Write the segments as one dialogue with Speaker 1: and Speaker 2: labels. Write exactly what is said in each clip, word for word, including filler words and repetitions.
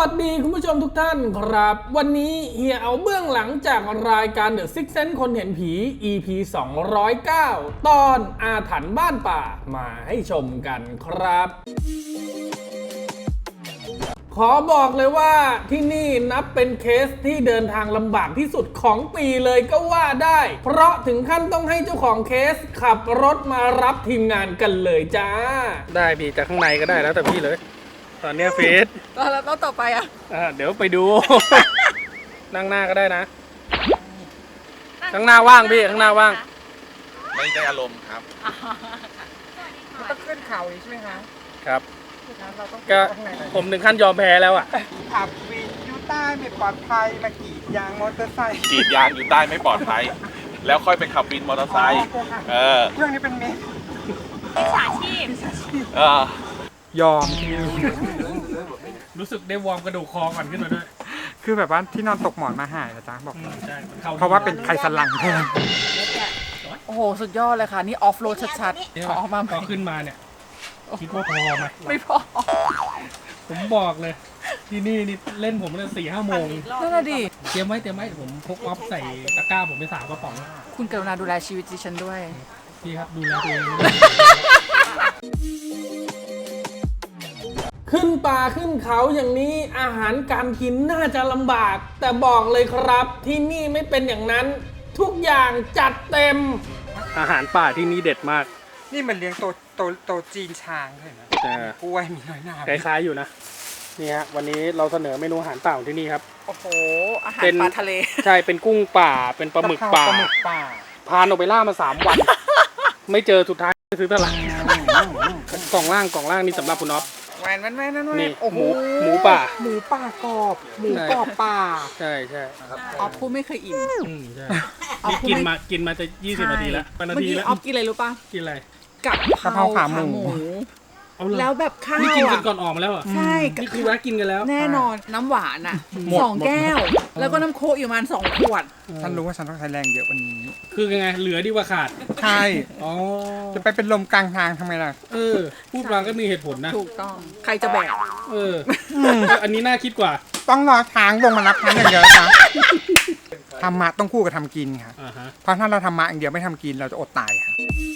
Speaker 1: วัสดีคุณผู้ชมทุกท่านครับวันนี้เฮียเอาเบื้องหลังจากรายการ The Sixth Sense คนเห็นผี อี พี สองร้อยเก้า ตอนอาถรรพ์บ้านป่ามาให้ชมกันครับขอบอกเลยว่าที่นี่นับเป็นเคสที่เดินทางลำบากที่สุดของปีเลยก็ว่าได้เพราะถึงขั้นต้องให้เจ้าของเคสขับรถมารับทีมงานกันเลยจ้าได้พี่จากข้างในก็ได้แล้วแต่พี่เลยตอนนี้เฟส
Speaker 2: แล้วแล้วต่อไปอ่ะ
Speaker 1: อ่าเดี๋ยวไปดู นั่งหน้าก็ได้นะข้างหน้าว่างพี่ข้างหน้าว่าง
Speaker 3: ไม่ได้อารมณ์ครับ
Speaker 2: มันต้องขึ้นเขาใช่ไหมคะ
Speaker 1: ครับก็ผมถึงขั้นยอมแพ้แล้วอ่ะ
Speaker 2: ขับวินอยู่ใต้ไม่ปลอดภัยมากรีดยางมอเตอร์ไซค์
Speaker 3: กรีดยางอยู่ใต้ไม่ปลอดภัยแล้วค่อยไปขับวินมอเตอร์ไซค์เออ
Speaker 2: เรื่องนี้เป็นเมส
Speaker 4: มิจฉาชีพ
Speaker 3: เอ
Speaker 1: อยอมรู้สึกได้วอร์มกระดูกคอก่อนขึ้นมาด้วย
Speaker 2: คือแบบว่าที่นอนตกหมอนมาหายนะจ๊ะบอกเพราะว่าเป็นไขสันหลังแทนโอ้โหสุดยอดเลยค่ะนี่ออฟโรดชัดๆขอออกมา
Speaker 1: พอขึ้นมาเนี่ยคิดว่าพอไหม
Speaker 2: ไม่พอ
Speaker 1: ผมบอกเลยที่นี่นี่เล่นผมตั้งสี่ห้าโมง
Speaker 2: นั่นแหละดิ
Speaker 1: เตรียมไว้เตรียมไว้ผมพกออฟใส่ตะกร้าผมไปสามกระป๋อง
Speaker 2: คุณกรุณาดูแลชีวิตดิฉันด้วย
Speaker 1: พี่ครับดูแลตัวเองขึ้นป่าขึ้นเขาอย่างนี้อาหารการกินน่าจะลำบากแต่บอกเลยครับที่นี่ไม่เป็นอย่างนั้นทุกอย่างจัดเต็มอาหารป่าที่นี่เด็ดมาก
Speaker 2: นี่มันเลี้ยงโตโตโตจีนช้างเลยนะกล้วยมีน้อยหนา
Speaker 1: คล้ายๆอยู่นะนี่ฮะวันนี้เราเสนอเมนูอาหารป่าของที่นี่ครับ
Speaker 2: โอ้โหอาหารปลาทะเล
Speaker 1: ใช่เป็นกุ้งป่าเป็นปลาหมึกป่าพานออกไปล่ามาสามวันไม่เจอสุดท้ายซื้อตลาดกล่องล่างกล่องล่างนี่สำหรับคุณอ๊อฟ
Speaker 2: แหวนแหวนแหวนนั่น
Speaker 1: นี่หมูหมูป่า
Speaker 2: หมูป่ากรอบหมูกรอบป่า
Speaker 1: ใช่ใช่
Speaker 2: ออฟพูดไม่เคยอิ่ม
Speaker 1: ใช่กินมากินมาจะยี่สิบนาทีแล้วนาทีแล้ว
Speaker 2: ออฟกินอะไรรู้ป่ะ
Speaker 1: กินอะไร
Speaker 2: กับเพราขาหมูแล้วแบบข้าว
Speaker 1: นี่กินกันก่อนออกมาแล้วอ่ะ
Speaker 2: ใช่
Speaker 1: นี่คือแวะกินกันแล้ว
Speaker 2: แน่นอนน้ำหวานอ่ะสองแก้วแล้วก็น้ำโค้กอยู่ประมาณสองขวด
Speaker 5: ฉันรู้ว่าฉันต้องใช้แรงเยอะวันนี้
Speaker 1: คือยังไงเหลือดีกว่าขาด
Speaker 5: ใช่อ๋อจะไปเป็นลมกลางทางทำไมล่ะ
Speaker 1: เออพูดมาก็มีเหตุผลนะ
Speaker 2: ถูกต้องใครจะแบก
Speaker 1: เอออันนี้น่าคิดกว่า
Speaker 5: ต้องรอทางลงมารับฉันอย่างเดียวนะธรรมะต้องคู่กับทำกินค่ะเพราะถ้าเราทำมะอย่างเดียวไม่ทำกินเราจะอดตายค่ะ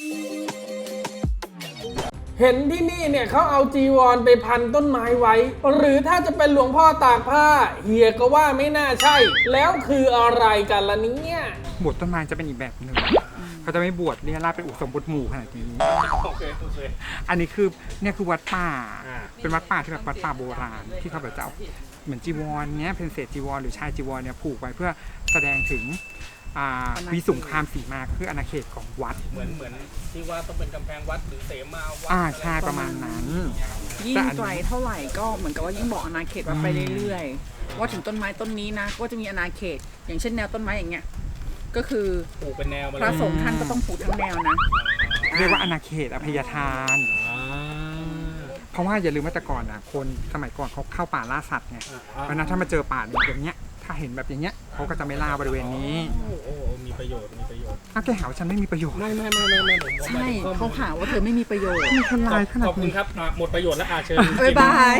Speaker 1: เห็นที่นี่เนี่ยเขาเอาจีวรไปพันต้นไม้ไว้หรือถ้าจะเป็นหลวงพ่อตากผ้าเฮียก็ว่าไม่น่าใช่แล้วคืออะไรกันล่ะเนี่ย
Speaker 5: บวชต้นไม้จะเป็นอีกแบบหนึ่งเขาจะไม่บวชเรียราชเป็นอุสมบทหมู่ขนาดนี้อันนี้คือเนี่ยคือวัดป่าเป็นวัดป่าที่แบบวัดป่าโบราณที่เขาแบบจะเอาเหมือนจีวรเนี้ยเป็นเศษจีวรหรือชายจีวรเนี่ยผูกไว้เพื่อแสดงถึงวิสุงคามสีมาคืออาณาเขตของวัด
Speaker 1: เหมือนเหมือนที่ว่าต้องเป็นกำแพงวัดหรือเสมาวัด
Speaker 5: อ่าใช่ประมาณนั้น
Speaker 2: ยิ่งไกลเท่าไหร่ก็เหมือนกับว่ายิ่งบอกอาณาเขตวัดไปเรื่อยๆว่าถึงต้นไม้ต้นนี้นะก็จะมีอาณาเขตอย่างเช่นแนวต้นไม้อย่างเงี้ยก็คือ
Speaker 1: ปลูกเป็นแนว
Speaker 2: พระสงฆ์ท่านก็ต้องปลูกทั้งแนวนะ
Speaker 5: เรียกว่าอาณาเขตอภัยทานเพราะว่าอย่าลืมว่าแต่ก่อนนะคนสมัยก่อนเขาเข้าป่าล่าสัตว์ไงเพราะนั้นถ้ามาเจอป่าอย่างเงี้ยถ้าเห็นแบบอย่างเงี้ยเขาก็จะไม่ล่าบริเวณนี้
Speaker 1: โอ้มีประโยชน์มีประโยชน์
Speaker 5: ถ้าแกหาว่าฉันไม่มีประโยชน์
Speaker 1: ไม่ไม่ไม่ไม่ไม่
Speaker 2: ใช่เขาหาว่าเธอไม่มีประโยชน์
Speaker 5: มีคนลายขนาดนี้
Speaker 1: ขอบคุณครับหมดประโยชน์แล้วอาเชิญ
Speaker 2: บ๊ายบาย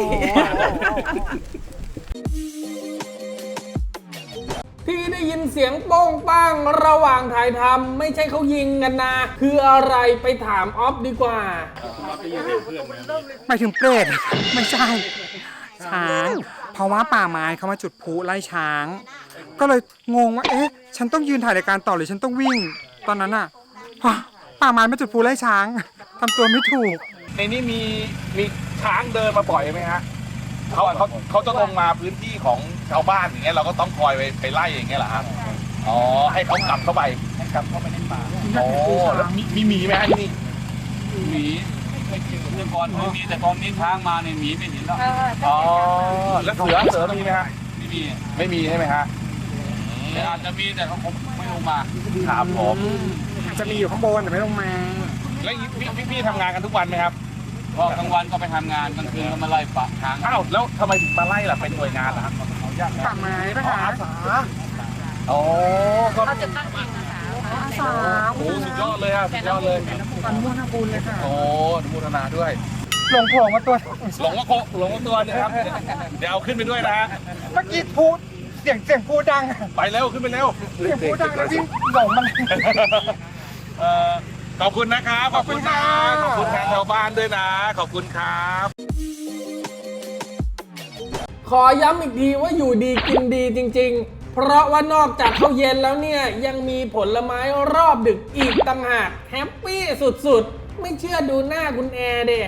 Speaker 1: ที่ได้ยินเสียงโป้งป้างระหว่างถ่ายทำไม่ใช่เขายิงกันนะคืออะไรไปถามออฟดีกว่า
Speaker 5: ไม่ถึงเปรตไม่ใช่ช้างเพราะว่าป่าไม้เขามาจุดพลุไล่ช้างก็เลยงงว่าเอ๊ะฉันต้องยืนถ่ายรายการต่อหรือฉันต้องวิ่งตอนนั้นอ่ะป่าไม้มาจุดพลุไล่ช้างทำตัวไม่ถูก
Speaker 3: ในนี้มีมีช้างเดินมาบ่อยไหมฮะเขาเขาเขาจะลงมาพื้นที่ของชาวบ้านอย่างเงี้ยเราก็ต้องคอยไปไปไล่อย่างเงี้ยเหรอครับอ๋อให้เขากลับเข้าไป
Speaker 1: ให้กลับเข้าไปในป่า
Speaker 3: โอ้แล้วมีมีหมีไหมฮะที่นี่
Speaker 6: หมีไม่เจอเมื่อก่อนไม่มีแต่ตอนนี้ช้างมาในหมีไม่เห็นแล้ว
Speaker 3: อ๋อแล้วเสือเสือมีไหมฮะ
Speaker 6: ไม่มี
Speaker 3: ไม่มีใช่ไหมฮะ
Speaker 6: แต่อาจจะมีแต่เขาไม่ลงมา
Speaker 3: ครับผม
Speaker 5: จะมีอยู่ข้างบนแต่ไม่ลงมา
Speaker 3: แล้วพี่พี่ทำงานกันทุกวันไหมครับ
Speaker 6: ก็กลางวันก็ไปทำงานกลางคืนก็มาไล่ปะช้าง
Speaker 3: อ้าวแล้วทำไมถึงมาไล่ล่ะเป็นหน่วยงานล่ะครับ
Speaker 5: ป่าไม้ป่ะคะ
Speaker 3: อาสาโอ้
Speaker 4: ก็เขาจะตั้งเองนะคะ
Speaker 3: อาสาโอ้สุดยอดเลยอ่ะสุดยอดเลย
Speaker 5: อนุโมทนาบุญเลยค่ะ
Speaker 3: โอ้อนุโมทนาด้วย
Speaker 5: หลงโผล่มาตัว
Speaker 3: หลงว่าโคหลงว่าตัวเนี่ยครับ เดี๋ยวเอาขึ้นไปด้วยนะฮะ
Speaker 5: เมื่อกี้พูดเสียงเสียงพูดดัง
Speaker 3: ไปเร็วขึ้นไปเร็ว
Speaker 5: เสียงพูดดังแล้ววิ่งหลงมัน
Speaker 3: เอ่อขอบคุณนะครับ ขอบคุณนะ ขอบคุณทางชาวบ้านด้วยนะ ขอบคุณครับ
Speaker 1: ขอย้ำอีกทีว่าอยู่ดีกินดีจริงๆ เพราะว่านอกจากข้าวเย็นแล้วเนี่ยยังมีผลไม้รอบดึกอีกต่างหากแฮปปี้สุดๆ ไม่เชื่อดูหน้าคุณแอร์เด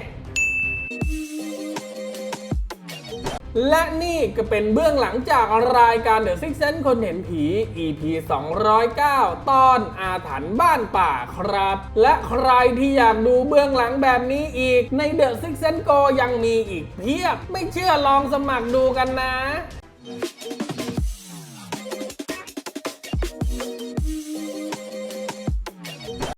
Speaker 1: และนี่ก็เป็นเบื้องหลังจากรายการ The Six Sense คนเห็นผี อี พี สองร้อยเก้า ตอนอาถรรพ์บ้านป่าครับ และใครที่อยากดูเบื้องหลังแบบนี้อีกใน The Six Sense Go ยังมีอีกเพียบ ไม่เชื่อลองสมัครดูกันนะ